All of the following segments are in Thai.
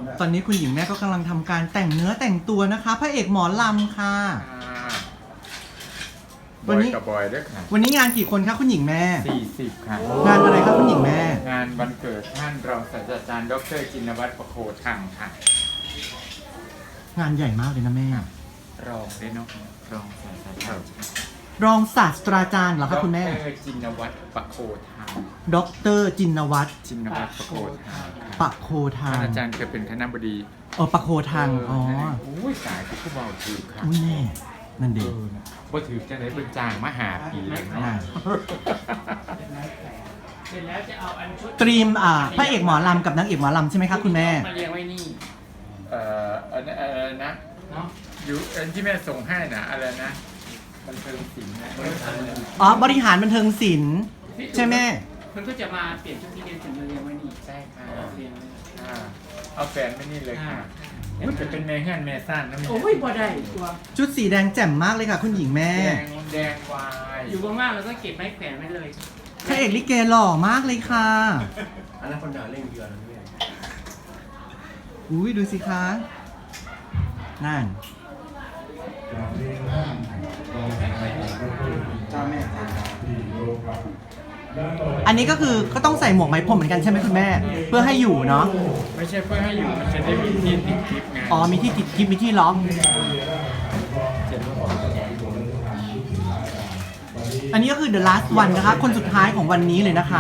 ตอนนี้คุณหญิงแม่ก็กำลังทำการแต่งเนื้อแต่งตัวนะคะพระเอกหมอลำค่ะบอยกับบอยด้วยค่ะวันนี้งานกี่คนคะคุณหญิงแม่ 40 ค่ะงานอะไรครับคุณหญิงแม่งานวันเกิดท่านรองศาสตราจารย์ดรจินวัฒน์ประโคทังค่ะงานใหญ่มากเลยนะแม่รองด้วยเนาะรองศาสตราจารย์รองศาสตราจารย์เหรอครับคุณแม่ดรจินวัฒน์ประโคทังดรจินวัฒน์จินวัฒน์ประโคทังปะโคทาท่านงอาจารย์เคยเป็นคณบดีปะโคทางอ๋ออุ้ยสายที่ผู้เบาถือค่ะอุ้ยแม่นั่นเด็กบ่ถือจะได้เป็นจางมหาปีเลยเนาะเสร็จแล้วจะเอาอันชุดตรีมพระเอกหมอลำกับนางเอกหมอลำใช่ไหมครับคุณแม่มาเรียงไว้นี่อันนั้นอะไรนะเนาะอยู่อันที่แม่ส่งให้นะอะไรนะบันเทิงศิลป์นะบริหารบันเทิงศิลป์ใช่ไหมมันก็จะมาเปลี่ยนชุดที่เรียนถึงมาเรียงไว้นี่ใช่ค่ะเรียงไว้นี่เอาแฟนไม่นี่เลยค่ะอุ้ยจะเป็นแม่เฮือนแม่ซ่านนะแม่โอ้ยบ่ได้ตัวชุดสีแดงแจ่มมากเลยค่ะคุณหญิงแม่แดงวายอยู่ว่างๆเราก็เก็บไม้แขวนไว้เลยพระเอกลิเกหล่อมากเลยค่ะอันนั้นคนด่าเล่นเยอะนะเนี่ยอุ้ยดูสิคะ นั่น อันนี้ก็คือก็ต้องใส่หมวกไหมพรมเหมือนกันใช่ไหมคุณแม่ เพื่อให้อยู่เนาะไม่ใช่เพื่อให้อยู่มันจะได้มีที่ติดคลิปไงอ๋อมีที่ติดคลิปมีที่ล็อก อันนี้ก็คือ the last one นะคะ คนสุดท้ายของวันนี้เลยนะคะ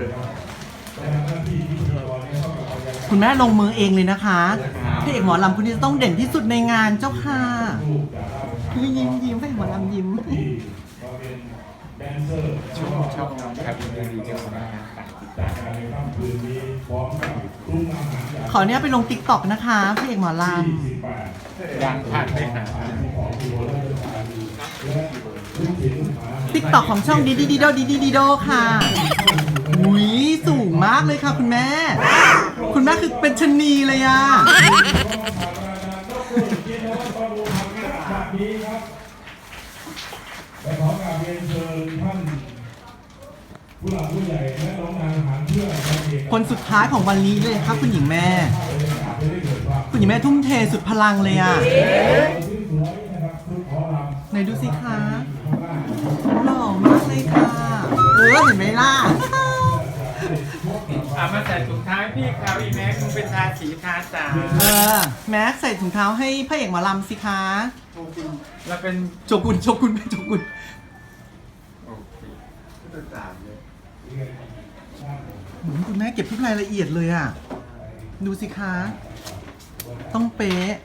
คุณแม่ลงมือเองเลยนะคะพระเอกหมอลำคนนี้จะต้องเด่นที่สุดในงานเจ้าค่ะคือยิ้มยิ้มพระเอกหมอลำยิ้มชอบน้องครับดีๆเจ้าของงานต่างขอเนี้ยไปลงติ๊กต็อกนะคะพระเอกหมอลๆยังผ่านไม่หาำติ๊กต็อกของช่องดีดีดีโดดีดีดีโดค่ะอุ้ยสูงมากเลยค่ะคุณแม่ คุณแม่คือเป็นชะนีเลยอ่ะและขอกราบเรียนเชิญท่านผู้หลักผู้ใหญ่และน้องนางทหารเพื่อการเอกคนสุดท้ายของวันนี้เลยครับคุณหญิงแม่ คุณหญิงแม่ทุ่มเทสุดพลังเลยอ่ะ ไหนดูสิคะหล่อมากเลยค่ะเห็นไหมล่ะมาใส่ถุงเท้าให้พี่เขาอีแม็กมึงเป็นทาสีทาสาแม็กใส่ถุงเท้าให้พระเอกหมอลำสิคะเราเป็นโจกุนโจกุนโจกุนโอเคคุณแม่เก็บทุกรายละเอียดเลยอ่ะ ดูสิคะ ต้องเป๊ะ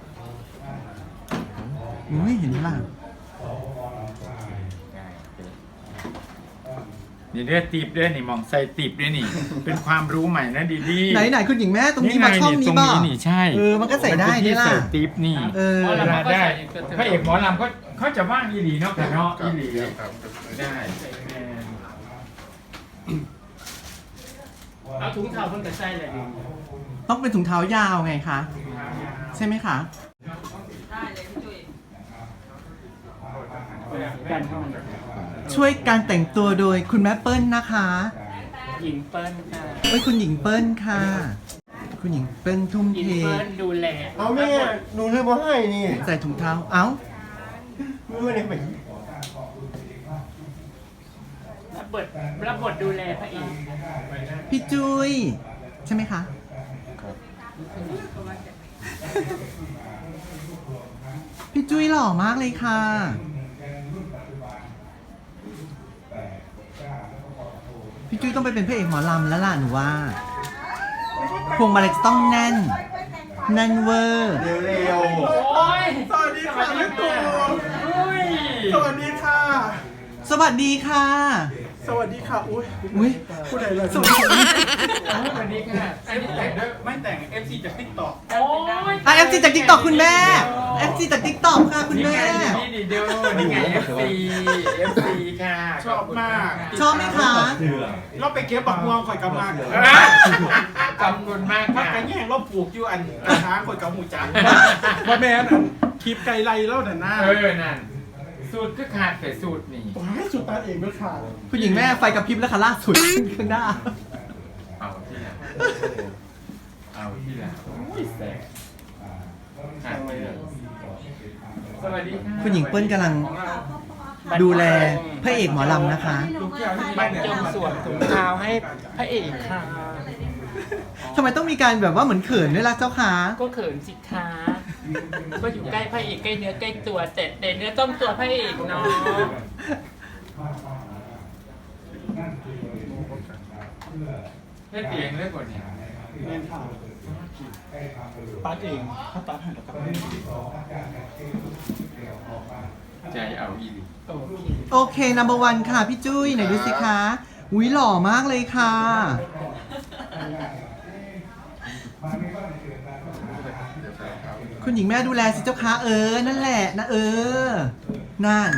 อุ้ยเห็นไหมล่ะนี่เลือดติบด้วยนี่มองใส่ติบด้วยนี่ เป็นความรู้ใหม่นะดีดีไหนคุณหญิงแม่ตรงนี้มาช่องนี้ตรงป่ะนี้นี่ใช่มันก็ใส่ได้มันเป็นที่นี่ล่ะใส่ติบนี่เออเวลาได้พระเอกหมอลำเขาจะว่างอีหลีเนาะแต่เนาะอีหลีได้เอาถุงเท้าเพิ่นกับใส่เลยต้องเป็นถุงเท้ายาวไงคะ ใช่ไหมคะกันเข้ามาช่วยการแต่งตัวโดยคุณแม่เปิ้ลนะคะหญิงเปิ้ลค่ะคุณหญิงเปิ้ลค่ะ คุณหญิงเปิ้ลทุ่มหญิเทงเปิ้ลดูแลเอาแม่หนูเลยมาให้นี่ใส่ถุงเท้า เอ้าไม่ได้ไปรับบทดูแลพระเอกพี่จุ้ยใช่ไหมคะ พี่จุ้ยหล่อมากเลยค่ะ พี่จุ้ยต้องไปเป็นพระเอกหมอลำแล้วล่ะหนูว่า พวงมาลัยจะต้องแน่น แน่นเวอร์เร็วโอ้ยสวัสดีค่ะแม่ตู่อุ้ยสวัสดีค่ะ สวัสดีค่ะสวัสดีค่ะ อุ้ยอุ้ยผู้ใดเลยสวัสดีค่ะวันนี้ค่ะอันนี้แต่งด้วยไม่แต่ง FC จากติ๊กต็อกโอ้ย FC จากติ๊กต็อกคุณแม่ FC จากติ๊กต็อกค่ะคุณแม่นี่ดีเดียวนี่ไง FC ค่ะชอบมากชอบไหมคะเราไปเก็บบักม่วงข่อยกำลังขอบคุณมากพักค่ะกันแย่งเราปลูกอยู่อันช้างข่อยกับหมูจังว่าแม่นคลิปไก่ไล่แล้วแต่หน้านั่นสูตรคือขาดแต่สูตรนี่ว้ายสุดตาเองด้วยค่ะคุณหญิงแม่ไฟกระพริบแล้วค่ะล่าสุดข้างหน้าเอาที่ไหนเอาเอาที่หลังอุ้ยแสบหายไปเลยสวัสดีค่ะคุณหญิงเปิ้ลกำลังของเราดูแลพระเอกหมอลำนะคะลูกแก้วที่บรรจงสวมถุงเท้าให้พระเอกค่ะทำไมต้องมีการแบบว่าเหมือนเขินด้วยล่ะเจ้าคะก็เขินสิคะก็อยู่ใกล้พระเอกใกล้เนื้อใกล้ตัวแต่เนื้อต้องตัวพระเอกเนาะเฮ็ดเองเลยก่อนเนี่ยแม่นค่ะตัดเองเขาตัดให้แล้วครับใจเอาอีหลีโอเคโอเค number one ค่ะพี่จุ้ยไหนดูสิคะอุ้ยหล่อมากเลยค่ะ คุณหญิงแม่ดูแลสิเจ้าคะนั่นแหละนะนั่น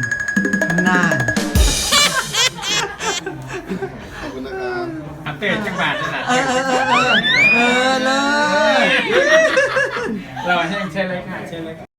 ขอบคุณนะครับอัปเดตจังหวัดนั่นแหละเลยเราแห้งใช่เลยค่ะใช่เลย